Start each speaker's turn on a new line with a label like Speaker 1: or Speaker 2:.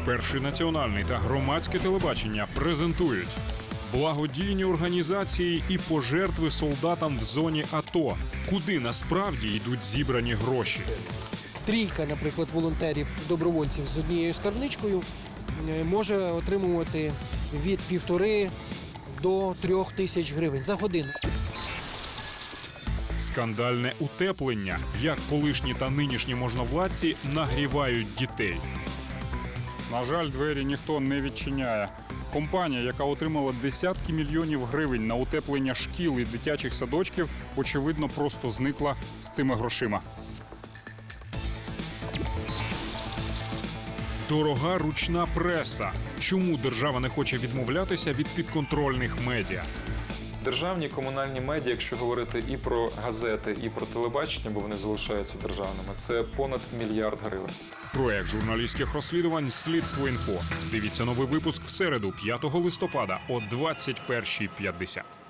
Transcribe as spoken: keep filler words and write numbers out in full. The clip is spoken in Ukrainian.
Speaker 1: Перший національний та громадське телебачення презентують благодійні організації і пожертви солдатам в зоні АТО. Куди насправді йдуть зібрані гроші?
Speaker 2: Трійка, наприклад, волонтерів-добровольців з однією скарбничкою е, може отримувати від півтори до трьох тисяч гривень за годину.
Speaker 1: Скандальне утеплення. Як колишні та нинішні можновладці нагрівають дітей.
Speaker 3: На жаль, двері ніхто не відчиняє. Компанія, яка отримала десятки мільйонів гривень на утеплення шкіл і дитячих садочків, очевидно, просто зникла з цими грошима.
Speaker 1: Дорога ручна преса. Чому держава не хоче відмовлятися від підконтрольних медіа?
Speaker 4: Державні комунальні медіа, якщо говорити і про газети, і про телебачення, бо вони залишаються державними, це понад мільярд гривень.
Speaker 1: Проект журналістських розслідувань «Слідство.Інфо». Дивіться новий випуск в середу, п'ятого листопада о двадцять першій п'ятдесят.